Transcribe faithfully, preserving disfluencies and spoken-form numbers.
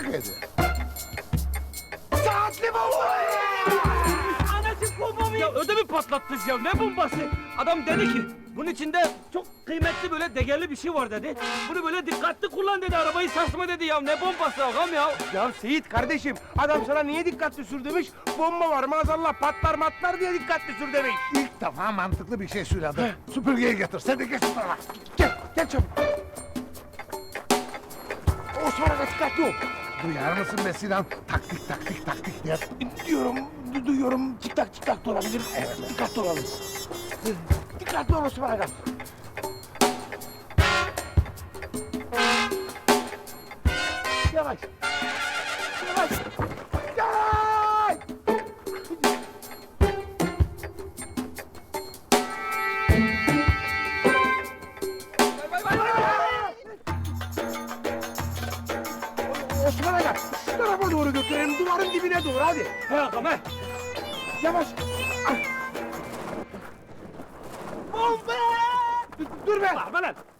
şaka ediyor. Saatli bomba! Anacık bomba mı? Ya ödümü patlattınız ya, ne bombası? Adam dedi ki, bunun içinde çok kıymetli böyle değerli bir şey var dedi. Bunu böyle dikkatli kullan dedi, arabayı sarsma dedi ya, ne bombası ağam ya? Ya Seyit kardeşim, adam sana niye dikkatli sür demiş? Bomba var maazallah patlar matlar diye dikkatli sür demiş. İlk defa mantıklı bir şey söyledi. Süpürgeyi getir. Sen de geç şu tarafa. Gel, gel çabuk. Osman Aga dikkatli ol. Duyar mısın be Sinan? Taktik taktik taktik diye. Diyorum, du duyuyorum. Tik tak tik tak da olabilir. Evet, dikkatli olalım. Dikkatli ol Osman Aga. Yavaş. Yavaş. Yavaş. Vay, vay, vay, vay. Osman Aga, şu tarafa doğru götürelim, duvarın dibine doğru, hadi. He ağam he. Yavaş. Ah. Bomba! Dur, dur be! Bağırma lan.